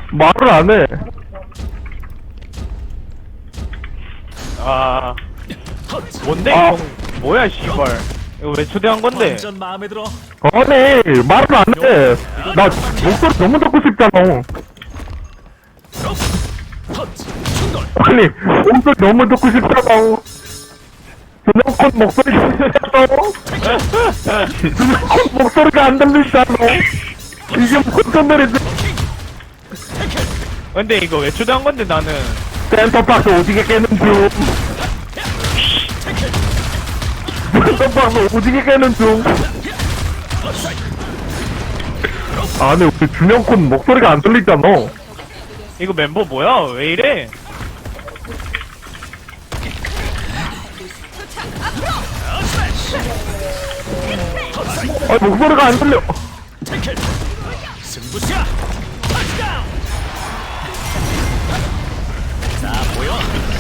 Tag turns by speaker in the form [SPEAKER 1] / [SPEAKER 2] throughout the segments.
[SPEAKER 1] 말을 안 해.
[SPEAKER 2] 아 뭔데
[SPEAKER 1] 아.
[SPEAKER 2] 이거 뭐야 씨발 이거 왜 초대한 건데?
[SPEAKER 3] 완전 마음에 들어.
[SPEAKER 1] 아니, 말을 안 해. 나 목소리 너무 듣고 싶잖아.
[SPEAKER 3] 터치. 충돌.
[SPEAKER 1] 아니, 목소리 너무 듣고 싶잖아. 준영콘 목소리 듣잖아. 준영콘 목소리가 안 들리잖아. 이게 무슨 노래지?
[SPEAKER 2] 근데 이거 왜 초대한 건데 나는?
[SPEAKER 1] 센터박스 오지게 깨는 중. 센터박스 오지게 깨는 중. 아니, 우리 준영콘 목소리가 안 들리잖아.
[SPEAKER 2] 이거 멤버 뭐야? 왜 이래?
[SPEAKER 1] 아니, 목소리가 안 들려.
[SPEAKER 3] 태클. 승부수야. 터치다운. 자 보여.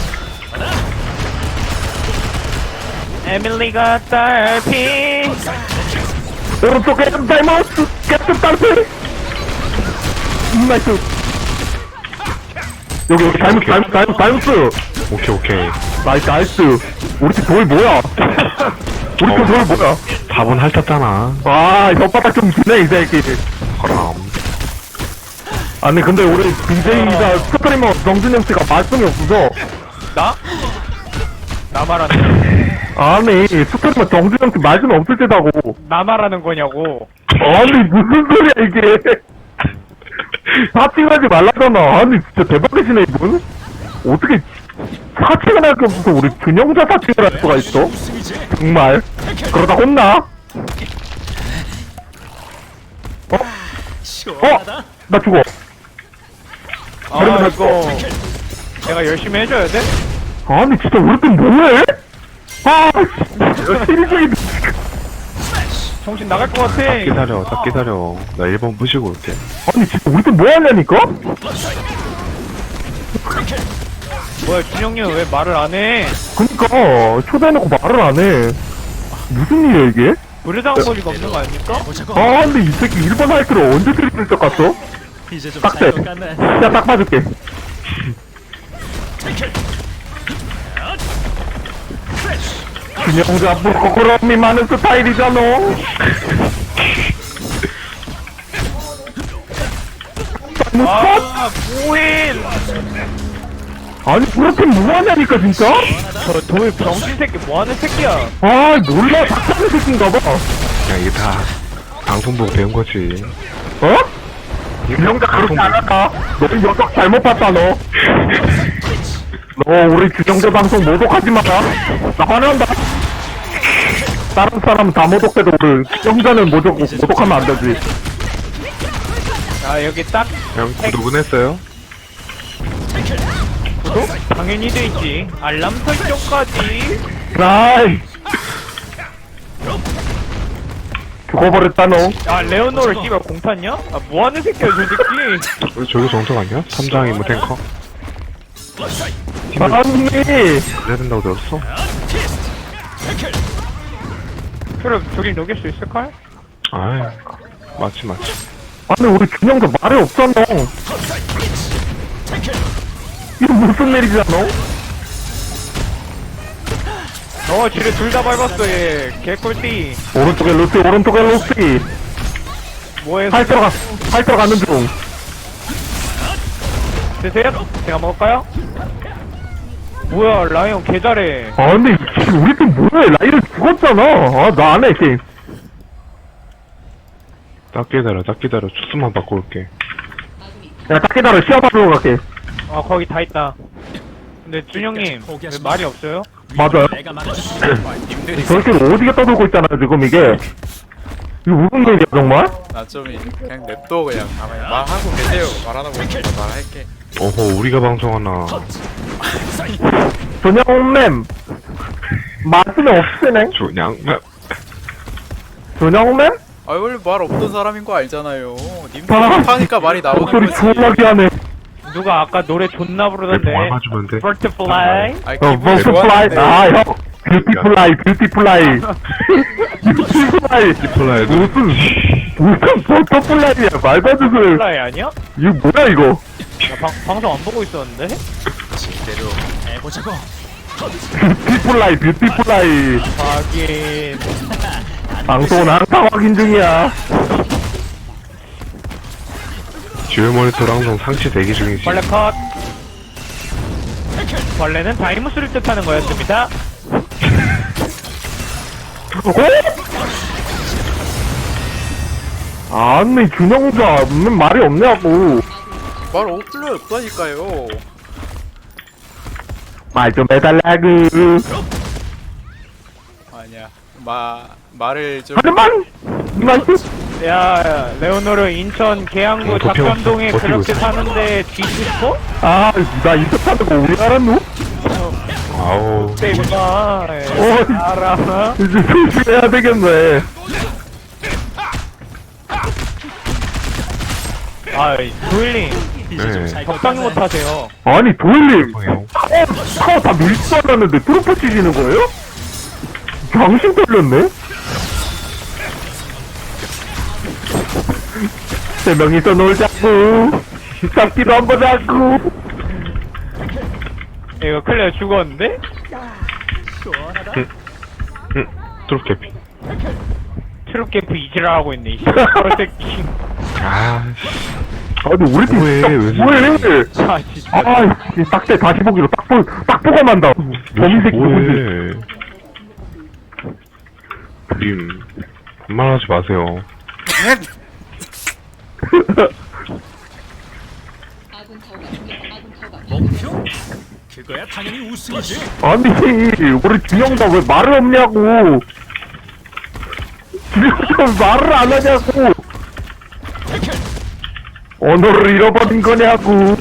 [SPEAKER 2] 에밀리가 딸피.
[SPEAKER 1] 오른쪽에 다이머스 캡틴 딸피. 나이스. 여기 다이머스.
[SPEAKER 4] 오케이.
[SPEAKER 1] 나이스. 우리 팀 돌 뭐야? 우리 팀 돌 뭐야?
[SPEAKER 4] 4번 핥았잖아.
[SPEAKER 1] 아, 혓바닥 좀 주네, 이 새끼.
[SPEAKER 4] 그럼.
[SPEAKER 1] 아니, 근데 우리 BJ가 스트리머 정준영 씨가 말씀이 없어서.
[SPEAKER 2] 나? 나 말하는
[SPEAKER 1] 아니, 스트리머 정준영 씨 말씀이 없을 때다고.
[SPEAKER 2] 나 말하는 거냐고.
[SPEAKER 1] 아니, 무슨 소리야, 이게. 사칭하지 말라잖아. 아니, 진짜 대박이시네, 이분. 어떻게 사칭을 할 게 없어서 우리 균형자 사칭을 할 수가 있어?
[SPEAKER 3] 우승이지.
[SPEAKER 1] 정말. 그러다 혼나?
[SPEAKER 3] 시원하다.
[SPEAKER 1] 나 죽어.
[SPEAKER 2] 아
[SPEAKER 1] 그러면
[SPEAKER 2] 이거 내가 열심히 해줘야 돼?
[SPEAKER 1] 아니, 진짜 우리 팀 뭐해? 아, 시리즈인데.
[SPEAKER 2] 정신 나갈 것 같아.
[SPEAKER 4] 딱 기다려. 나 1번 부시고 올게.
[SPEAKER 1] 아니, 진짜 우리 팀 뭐 하냐니까?
[SPEAKER 2] 뭐야 준영님 왜 말을 안 해?
[SPEAKER 1] 그니까, 초대해놓고 말을 안 해. 무슨 일이야, 이게?
[SPEAKER 2] 의뢰당한 거리가 없는 거 아닙니까?
[SPEAKER 3] 보자고.
[SPEAKER 1] 아, 근데 이 새끼 1번 하이트를 언제 트리플 적 갔어?
[SPEAKER 3] 이제 좀
[SPEAKER 1] 빡세.
[SPEAKER 3] 살것 같네.
[SPEAKER 1] 야, 딱 봐줄게.
[SPEAKER 3] 태클.
[SPEAKER 1] 균형자 부끄러움이 많은 스타일이잖아.
[SPEAKER 2] 아 뭐해?
[SPEAKER 1] 아니, 우리 팀 뭐하냐니까, 진짜?
[SPEAKER 2] 저 돌 병신 새끼 뭐하는 새끼야?
[SPEAKER 1] 아, 몰라. 닥치는 새끼인가 봐.
[SPEAKER 4] 야, 이게 다 방송 보고 배운 거지.
[SPEAKER 1] 어? 균형자 그렇게 안 한다. 너 녀석 잘못 봤다, 너. 너 우리 균형자 방송 모독하지 마라. 나 화난다. 다른 사람 다 모독해도 우리 균형자는 모독하면 안 되지.
[SPEAKER 2] 아 여기 딱
[SPEAKER 4] 형, 구독은 했어요?
[SPEAKER 2] 구독? 당연히 돼 있지. 알람 설정까지.
[SPEAKER 1] 아이. 죽어버렸다, 너.
[SPEAKER 2] 아 레오노를 씨발 공 탔냐? 아 뭐하는 새끼야 저 새끼.
[SPEAKER 4] 우리 저기 정석 아니야? 3장 임무 탱커?
[SPEAKER 1] 아니.
[SPEAKER 4] 그래야 된다고 들었어?
[SPEAKER 2] 그럼 저길 녹일 수 있을까?
[SPEAKER 4] 아이, 맞지.
[SPEAKER 1] 아니, 우리 균형자 말이 없잖아. 이거 무슨 일이잖아?
[SPEAKER 2] 지뢰 둘 다 밟았어 얘. 개꿀띠.
[SPEAKER 1] 오른쪽에 루시.
[SPEAKER 2] 뭐해?
[SPEAKER 1] 팔 들어가는 중.
[SPEAKER 2] 드세요? 제가 먹을까요? 뭐야 라이언 개 잘해.
[SPEAKER 1] 아, 근데 우리 팀 뭐해? 라이를 죽었잖아. 아, 나 안 해, 게임.
[SPEAKER 4] 딱 기다려. 주스만 바꿔 올게.
[SPEAKER 1] 야, 딱 기다려. 시합하러 갈게.
[SPEAKER 2] 아 거기 다 있다. 근데 준영님 왜 말이 없어요?
[SPEAKER 1] 맞아요.
[SPEAKER 3] 내가 막아주지.
[SPEAKER 1] 저렇게 어디게 떠들고 있잖아요, 지금 이게. 이거 무슨 일이야, 정말?
[SPEAKER 5] 나 좀 그냥 냅둬 그냥 가만히 말하고 계세요. 말하는 거 말할게.
[SPEAKER 4] 어허, 우리가 방송하나.
[SPEAKER 1] 준영맨. 말씀이 없으네. 준영맨?
[SPEAKER 5] 아 원래 말 없던 사람인 거 알잖아요. 님들
[SPEAKER 1] 아,
[SPEAKER 5] 하니까 말이 나오는
[SPEAKER 1] 목소리
[SPEAKER 5] 거지.
[SPEAKER 1] 존나게 하네.
[SPEAKER 2] 누가 아까 노래 존나 부르던데.
[SPEAKER 4] 뭐 맞으면 돼?
[SPEAKER 2] 버터플라이.
[SPEAKER 5] 아
[SPEAKER 1] 어,
[SPEAKER 5] 기분이
[SPEAKER 1] 버터플라이.
[SPEAKER 5] 좋았는데.
[SPEAKER 1] 아, 형. 뷰티플라이.
[SPEAKER 4] 플라이
[SPEAKER 1] 무슨 무슨 버터플라이야 말도 안 되는 소리.
[SPEAKER 2] 플라이 아니야?
[SPEAKER 1] 이거 뭐야 이거?
[SPEAKER 2] 나 방송 안 보고 있었는데?
[SPEAKER 3] 제대로 해보자고.
[SPEAKER 1] 뷰티플라이 뷰티플라이.
[SPEAKER 2] 확인.
[SPEAKER 1] 방송은 항상 확인 중이야.
[SPEAKER 4] 듀얼 모니터로 항상 상시 대기 중이지.
[SPEAKER 2] 벌레 컷. 벌레는 다이무스를 뜻하는 거였습니다.
[SPEAKER 1] 아니 준영자 왜 말이 없냐고.
[SPEAKER 5] 말 없을래 없다니까요.
[SPEAKER 1] 말 좀 해달라고.
[SPEAKER 5] 아니야. 말을 좀.
[SPEAKER 1] 하지만 나이스.
[SPEAKER 2] 야, 레오노르 인천 계양구
[SPEAKER 4] 버티고
[SPEAKER 2] 작전동에
[SPEAKER 4] 있어, 버티고
[SPEAKER 2] 그렇게
[SPEAKER 4] 있어.
[SPEAKER 2] 사는데 뒤지고 싶어?
[SPEAKER 1] 아나 인터하는 거 우리 알았노?
[SPEAKER 4] 아우.
[SPEAKER 2] 때구나. 알아.
[SPEAKER 1] 이제 조심해야 되겠네.
[SPEAKER 2] 아이, 도일님,
[SPEAKER 3] 이제 좀
[SPEAKER 4] 네.
[SPEAKER 3] 살 것
[SPEAKER 2] 적당히
[SPEAKER 3] 같네.
[SPEAKER 2] 못하세요.
[SPEAKER 1] 아니 도일님
[SPEAKER 4] 뭐예요?
[SPEAKER 1] 차가 다 밀 줄 알았는데 트로프 치시는 거예요? 정신 걸렸네? 세 명이서 놀자고 짝기도 한번 하고.
[SPEAKER 2] 이거 클레어 죽었는데?
[SPEAKER 4] 트롯 캐피.
[SPEAKER 2] 트롯캠프 이지랄하고 있네, 이 새끼.
[SPEAKER 4] 아,
[SPEAKER 1] 아니 우리 팀
[SPEAKER 4] 뭐해,
[SPEAKER 1] 진짜
[SPEAKER 4] 왜
[SPEAKER 1] 뭐해?
[SPEAKER 2] 아, 진짜.
[SPEAKER 1] 아이 딱대 다시 보기로 딱 보고 만다. 범인새끼 누구지?
[SPEAKER 4] 뭐해. 님, 그만하지 마세요.
[SPEAKER 3] 목표? 그거야 당연히 우승이지.
[SPEAKER 1] 아니 우리 준영다 왜 말을 없냐고. 준영다 왜 말을 안 하냐고. 언어를 잃어버린 거냐고.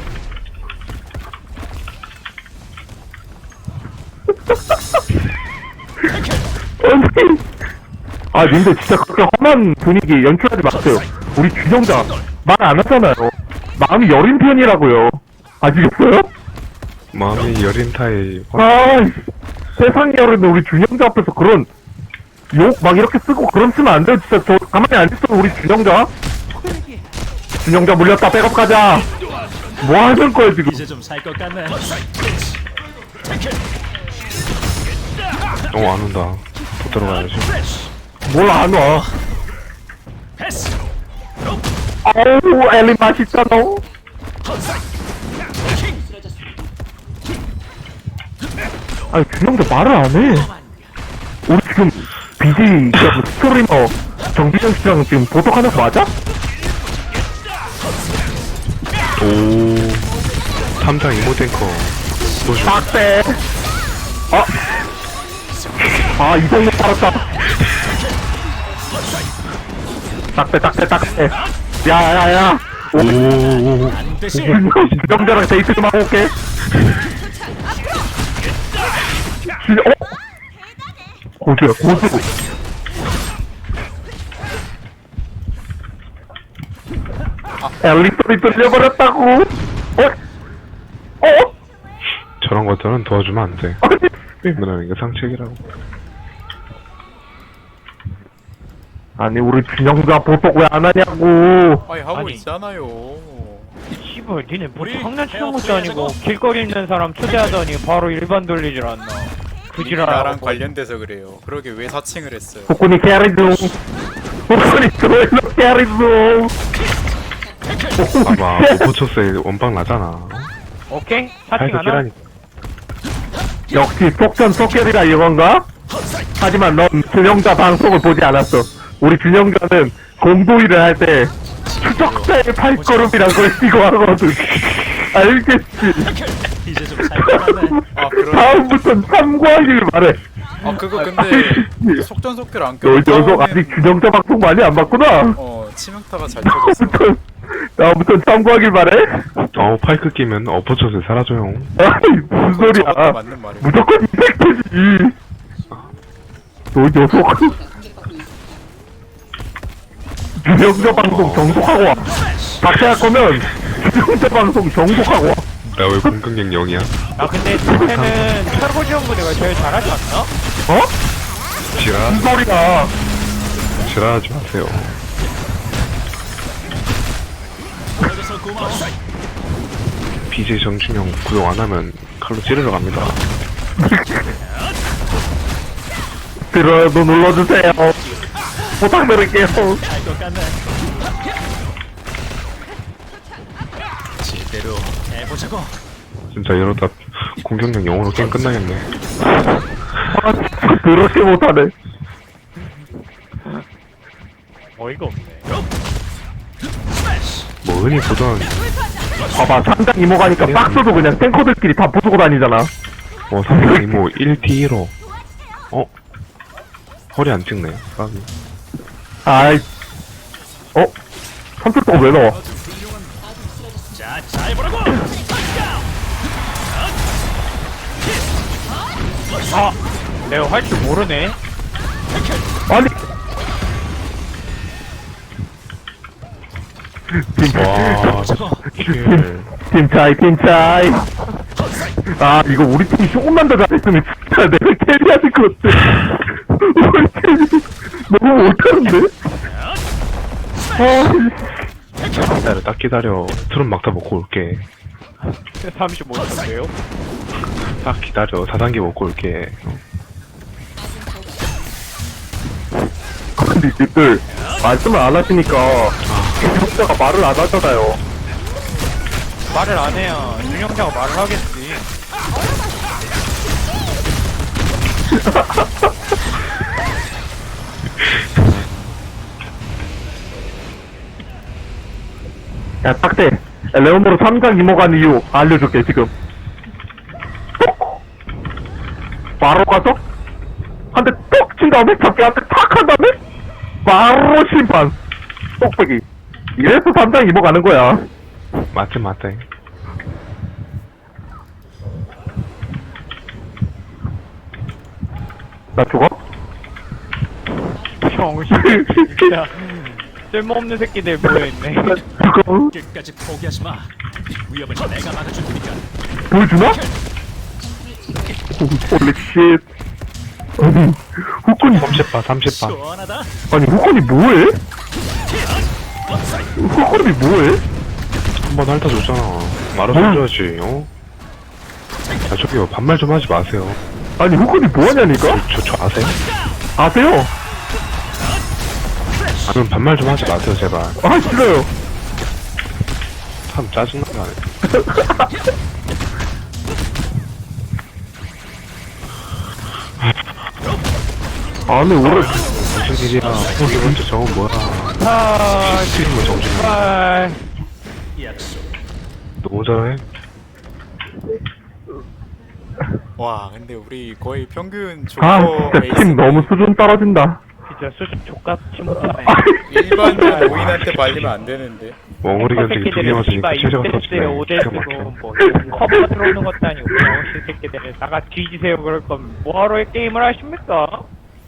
[SPEAKER 1] 아니 님들 진짜 그렇게 험한 분위기 연출하지 마세요. 우리 준영자 말 안 하잖아요. 마음이 여린 편이라고요. 아시겠어요?
[SPEAKER 4] 마음이 여린 타입.
[SPEAKER 1] 아, 세상에 여린 우리 준영자 앞에서 그런 욕 막 이렇게 쓰고 그럼 쓰면 안 돼요. 진짜 저 가만히 안 있어 우리 준영자. 준영자 물렸다. 백업 가자. 뭐 하는 거야 지금?
[SPEAKER 3] 이제 좀 살 것 같네.
[SPEAKER 4] 안 온다. 못 들어가야지.
[SPEAKER 1] 뭘 안 와?
[SPEAKER 3] 패스.
[SPEAKER 1] 아우 엘리 맛있잖아. 아니 준영자 말을 안 해. 우리 지금 BJ 스토리너 정기정 씨랑 지금 보석하는 거 맞아?
[SPEAKER 4] 오. 3장 이모 탱커. 소주.
[SPEAKER 1] 딱대. 이동력 팔았다. 딱대. 야야야.
[SPEAKER 4] 오.
[SPEAKER 3] 안 되시.
[SPEAKER 1] 주정자랑 데이트 좀 하고 올게. 고수야 고수. 엘리 소리 들려버렸다고.
[SPEAKER 4] 저런 것들은 도와주면 안 돼.
[SPEAKER 1] 아니
[SPEAKER 4] 왜냐면 이게 상책이라고.
[SPEAKER 1] 아니 우리 준영자 보석 왜 안 하냐고.
[SPEAKER 5] 아니 하고
[SPEAKER 2] 아니.
[SPEAKER 5] 있잖아요.
[SPEAKER 2] 씨발, 니네 뭐
[SPEAKER 3] 우리
[SPEAKER 2] 장난치는 것도
[SPEAKER 3] 헤어
[SPEAKER 2] 아니고
[SPEAKER 3] 프리하자고.
[SPEAKER 2] 길거리 있는 사람 초대하더니 바로 일반 돌리질 않나. 그지랄하고.
[SPEAKER 5] 나랑 관련돼서 그래요. 그러게 왜 사칭을 했어요?
[SPEAKER 1] 복근이 캐리 중. 복근이 조엘로 캐리 중.
[SPEAKER 4] 봐봐, 오포초스에 원빵 나잖아.
[SPEAKER 2] 오케이? 사칭
[SPEAKER 4] 파이크
[SPEAKER 2] 하나?
[SPEAKER 4] 끼라니까.
[SPEAKER 1] 역시 속전 속결이라 이건가? 하지만 넌 준영자 방송을 보지 않았어. 우리 준영자는 공도일을 할 때 추적자의 발걸음이란 걸 쓰고 하거든. 알겠지?
[SPEAKER 3] 이제 좀 살 것 같네.
[SPEAKER 5] 아 그럼.
[SPEAKER 1] 다음부턴 참고하길 바래.
[SPEAKER 5] 아 그거 근데 속전속결 안
[SPEAKER 1] 너
[SPEAKER 5] 껴.
[SPEAKER 1] 녀석 아직 준영자 방송 많이 안 봤구나?
[SPEAKER 5] 치명타가 잘 쳐졌어.
[SPEAKER 1] 다음부턴 참고하길 바래.
[SPEAKER 4] 파이크 끼면 어포초스에 사라져요.
[SPEAKER 1] 아이 무슨
[SPEAKER 5] 저것도
[SPEAKER 1] 소리야.
[SPEAKER 5] 맞는 말이야.
[SPEAKER 1] 무조건 이펙트지. 너 녀석. 준영자 방송 정독하고 와. 박제할 거면 준영자 방송 정독하고 와.
[SPEAKER 4] 나 왜 공격력 0이야?
[SPEAKER 2] 아, 근데 쟤는 철거지원부대가 제일 잘하지 않나?
[SPEAKER 1] 어?
[SPEAKER 4] 지랄,
[SPEAKER 1] 무슨 소리야.
[SPEAKER 4] 지랄하지 마세요. BJ 정준영 구독 안 하면 칼로 찌르러 갑니다.
[SPEAKER 1] 들어도 눌러주세요. 부탁드릴게요.
[SPEAKER 3] 할것 같네. 제대로 해보자고.
[SPEAKER 4] 진짜 이러다 공격력 0으로 게임 끝나겠네.
[SPEAKER 1] 아, 그렇게 못하네.
[SPEAKER 2] 어이가 없네.
[SPEAKER 4] 뭐 흔히 보던
[SPEAKER 1] 봐봐, 삼장 이모 가니까 박스도 그냥 탱커들끼리 다 부수고 다니잖아.
[SPEAKER 4] 삼성 이모 1D1호. 허리 안 찍네. 까비.
[SPEAKER 1] 아이, 선출도가 왜 넣어?
[SPEAKER 3] 자, 잘 보라고.
[SPEAKER 2] 아, 내가 할 줄 모르네.
[SPEAKER 1] 아니,
[SPEAKER 4] 와, 킬.
[SPEAKER 1] 팀차이. 아, 이거 우리 팀이 조금만 더 잘했으면 진짜 내가 캐리하실 것 같아. 우리 팀이 너무 못하는데? 아,
[SPEAKER 4] 딱 기다려. 트롯 막타 먹고 올게.
[SPEAKER 2] 35초인데요?
[SPEAKER 4] 딱 기다려. 4단계 먹고 올게.
[SPEAKER 1] 근데 이들 말씀을 안 하시니까 경자가 말을 안 하잖아요.
[SPEAKER 2] 말을 안 해야 준영자가 말을 하겠지.
[SPEAKER 1] 야, 딱대. 레오모로 3장 이모 간 이유 알려줄게, 지금. 바로 가서, 한 대 톡 친 다음에, 잡기 한 대 탁 한 다음에, 바로 심판. 똑배기. 이래서 3장 이모 가는 거야.
[SPEAKER 4] 맞지, 맞다.
[SPEAKER 1] 나 죽어?
[SPEAKER 2] 병신. 진짜. 쓸모없는 새끼들 모여있네.
[SPEAKER 1] 나 죽어?
[SPEAKER 3] 끝까지 포기하지 마. 위협은 내가 막아줄 테니까.
[SPEAKER 1] 보여주나? 홀리 쉣. 아니, 후끈이,
[SPEAKER 4] 30바, 30바.
[SPEAKER 3] 시원하다.
[SPEAKER 1] 아니, 후끈이 뭐해? 후끈이 뭐해?
[SPEAKER 4] 한번 핥아줬잖아. 말아서 해줘야지, 야, 저기요, 반말 좀 하지 마세요.
[SPEAKER 1] 아니, 후끈이 뭐하냐니까?
[SPEAKER 4] 저 아세요?
[SPEAKER 1] 아세요?
[SPEAKER 4] 아니면 반말 좀 하지 마세요, 제발.
[SPEAKER 1] 아, 싫어요.
[SPEAKER 4] 참 짜증나네.
[SPEAKER 1] 아니, 올해,
[SPEAKER 4] 무슨 일이야. 두 번째 저건 뭐야.
[SPEAKER 2] 아,
[SPEAKER 4] 스트리머 정신
[SPEAKER 2] 정말.
[SPEAKER 3] 약속.
[SPEAKER 4] 너무 잘해.
[SPEAKER 5] 와 근데 우리 거의 평균
[SPEAKER 1] 아,
[SPEAKER 5] 조커
[SPEAKER 1] 진짜 팀 너무 수준 떨어진다.
[SPEAKER 2] 진짜 수준 족같이 못하네.
[SPEAKER 5] 일반적 노인한테 말리면 안 되는데.
[SPEAKER 4] 멍어리 견적이 두 개 맞으니까 체제가 터지네.
[SPEAKER 2] 5대쓰고
[SPEAKER 4] 기가
[SPEAKER 2] 뭐
[SPEAKER 4] 막혀.
[SPEAKER 2] 커버 들어오는 것도 아니고 병신 새끼들 나가 뒤지세요 그럴 거면 뭐하러 게임을 하십니까?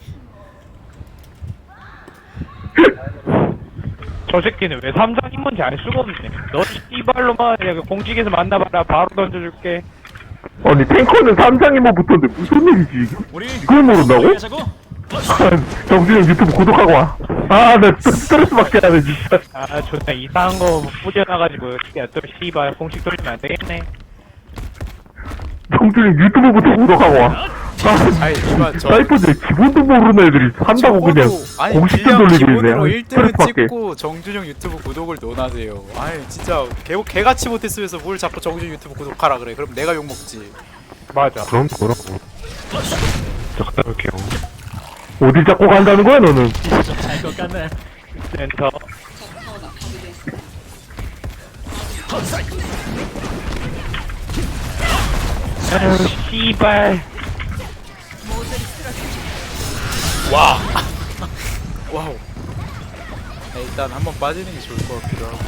[SPEAKER 2] 저 새끼는 왜 3장 인문지 알 수가 없네. 너 씨발로만 그냥 공직에서 만나봐라 바로 던져줄게.
[SPEAKER 1] 아니, 탱커는 3장 이모 붙었는데 무슨 일이지, 이게?
[SPEAKER 3] 우리
[SPEAKER 1] 그걸 모른다고?
[SPEAKER 3] 포기하자고.
[SPEAKER 1] 아, 정준영 유튜브 구독하고 와. 아, 나 스트레스 받게 하네, 진짜.
[SPEAKER 2] 아 존나 이상한 거 뿌려놔가지고 야또 씨발 공식 돌리면 안 되겠네.
[SPEAKER 1] 정준영 유튜브부터 구독하고 와. 아,
[SPEAKER 5] 아니 이만 저
[SPEAKER 1] 사이퍼즈에 기본도 모르는 애들이 한다고 그냥
[SPEAKER 5] 아니
[SPEAKER 1] 공식
[SPEAKER 5] 그냥
[SPEAKER 1] 돌리고
[SPEAKER 5] 기본으로
[SPEAKER 1] 있네.
[SPEAKER 5] 1등을
[SPEAKER 1] 스트레스 받게.
[SPEAKER 5] 찍고 정준영 유튜브 구독을 넣어놔세요. 아니 진짜 개같이 못했으면서 뭘 자꾸 정준영 유튜브 구독하라 그래. 그럼 내가 욕먹지.
[SPEAKER 2] 맞아.
[SPEAKER 4] 그럼 뭐라고. 저 갔다 올게요.
[SPEAKER 1] 어디 잡고 간다는 거야, 너는?
[SPEAKER 3] 잘것 같네.
[SPEAKER 2] 센터. 아유 씨발.
[SPEAKER 5] 와. 와우. 일단 한번 빠지는 게 좋을 것 같기도 하고.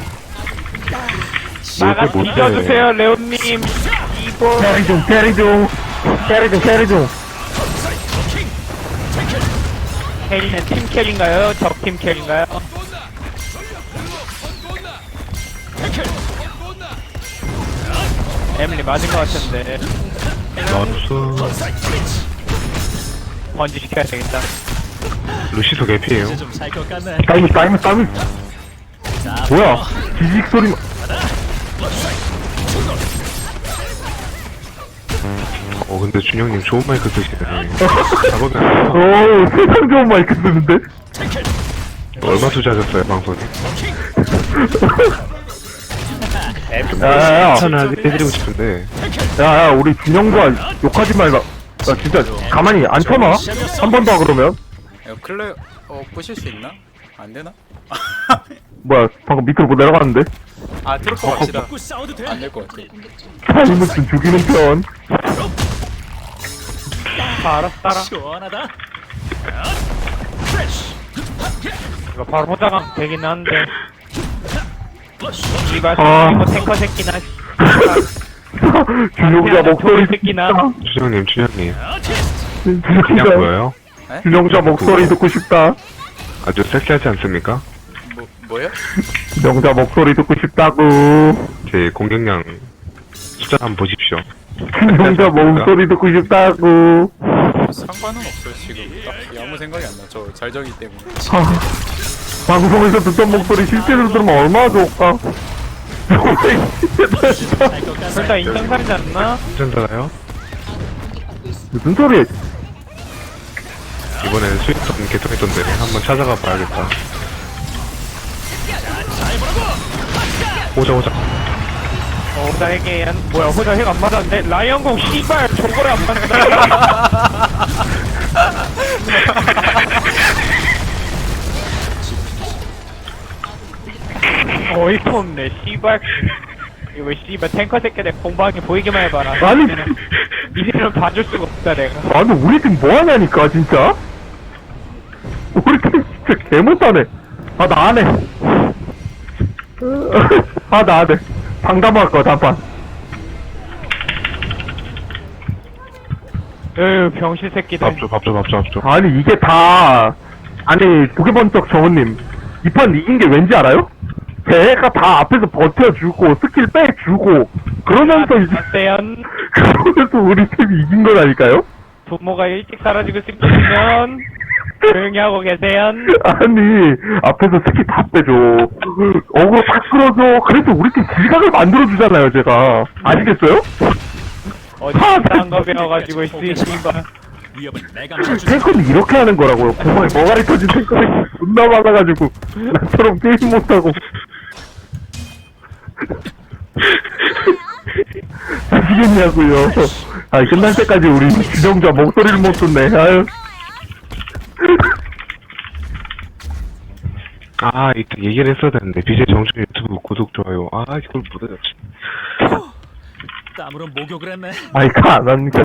[SPEAKER 2] 나가
[SPEAKER 4] 못해.
[SPEAKER 2] 뒤져주세요 레온님. 이보.
[SPEAKER 1] 캐리 좀, 캐리 좀. 캐리 좀, 캐리 좀.
[SPEAKER 2] 캐리는 팀 캐리인가요? 적팀 캐리인가요? 에밀리 맞은 것 같은데
[SPEAKER 4] 나이스.
[SPEAKER 2] 번지 시켜야 되겠다.
[SPEAKER 4] 루시도 개피에요.
[SPEAKER 3] 이제 좀 살 것 같네.
[SPEAKER 1] 타이밍.
[SPEAKER 3] 자,
[SPEAKER 1] 뭐야? 지직 소리.
[SPEAKER 4] 근데 준영님 좋은 마이크 쓰시네. 작업이 안 돼요.
[SPEAKER 1] 오, 세상 좋은 마이크 쓰는데?
[SPEAKER 4] 얼마 투자하셨어요, 방송에?
[SPEAKER 1] 야야야,
[SPEAKER 4] 추천을 해드리고 싶은데.
[SPEAKER 1] 야야, 우리 준영자 욕하지 말라. 나 진짜 가만히 안 쳐놔? 한 번 더 그러면?
[SPEAKER 5] 이거 클레 부실 수 있나? 안 되나?
[SPEAKER 1] 뭐야, 방금 밑으로 뭐 내려갔는데?
[SPEAKER 5] 아 트로퍼 갑시다.
[SPEAKER 3] 먹고 싸워도 돼.
[SPEAKER 5] 안 될 것 같아.
[SPEAKER 1] 타이무슨 죽이는 편.
[SPEAKER 2] 알았다라.
[SPEAKER 3] 시원하다.
[SPEAKER 2] 이거 바로 포장하면 되긴 한데. 이발
[SPEAKER 1] 아.
[SPEAKER 2] 이거 탱커 새끼나.
[SPEAKER 1] 준영자 목소리
[SPEAKER 2] 새끼나.
[SPEAKER 4] 준영님. 그냥
[SPEAKER 1] 진짜
[SPEAKER 4] 보여요?
[SPEAKER 1] 준영자 목소리 듣고 싶다.
[SPEAKER 4] 아주 섹시하지 않습니까?
[SPEAKER 5] 뭐요?
[SPEAKER 1] 준영자 목소리 듣고 싶다고.
[SPEAKER 4] 제 공격량 숫자 한번 보십시오.
[SPEAKER 1] 준영자 목소리 듣고 싶다고.
[SPEAKER 5] 상관은 없어요 지금. 딱히 아무 생각이 안 나. 저 잘정이 때문에.
[SPEAKER 1] 방송에서 듣던 목소리 실제로 들으면 얼마나 좋을까?
[SPEAKER 2] 일단 인정사지 않나?
[SPEAKER 4] 괜찮잖아요?
[SPEAKER 1] 무슨 소리?
[SPEAKER 4] 이번에는 수익성 개통했던데 한번 찾아가 봐야겠다. 오자.
[SPEAKER 2] 나에게 뭐야 호자 핵 안 맞았는데 라이언공 씨발 저거를 안 맞았다. 어이가 없네 씨발. 이거 씨발 탱커 새끼들 공방에 보이기만 해봐라.
[SPEAKER 1] 아니.
[SPEAKER 2] 니네는 봐줄 수가 없다 내가.
[SPEAKER 1] 아니 우리 팀 뭐하냐니까 진짜. 우리 팀 진짜 개못하네. 아 나 안해. 아 나 안해. 상담할 거야 단판.
[SPEAKER 2] 에휴 병신 새끼들.
[SPEAKER 4] 밥줘.
[SPEAKER 1] 아니 이게 다 아니 도개번쩍 정원님 이 판 이긴 게 왠지 알아요? 걔가 다 앞에서 버텨주고 스킬 빼주고 그러면서 이제
[SPEAKER 2] 대연
[SPEAKER 1] 그러면서 우리 팀이 이긴 거라니까요?
[SPEAKER 2] 부모가 일찍 사라지고 싶으면 조용히 하고 계세요.
[SPEAKER 1] 아니 앞에서 스킬 다 빼줘 어그로 다 끌어줘 그래서 우리 팀 질각을 만들어주잖아요 제가 아시겠어요?
[SPEAKER 2] 어디 이상한 거 배워가지고 씨발.
[SPEAKER 3] 위협은 내가 막아줄게.
[SPEAKER 1] 탱커는 이렇게 하는 거라고요 공방에 머가리 터진 탱커는 존나 많아가지고 나처럼 게임 못하고 아시겠냐고요. 아 끝날 때까지 우리 주정자 목소리를 못 듣네. 아유.
[SPEAKER 4] 이때 얘기를 했어야 되는데 BJ 정준 유튜브 구독 좋아요. 이걸 못해줬지.
[SPEAKER 3] 땀으로 목욕을 했네.
[SPEAKER 1] 아이 가. 난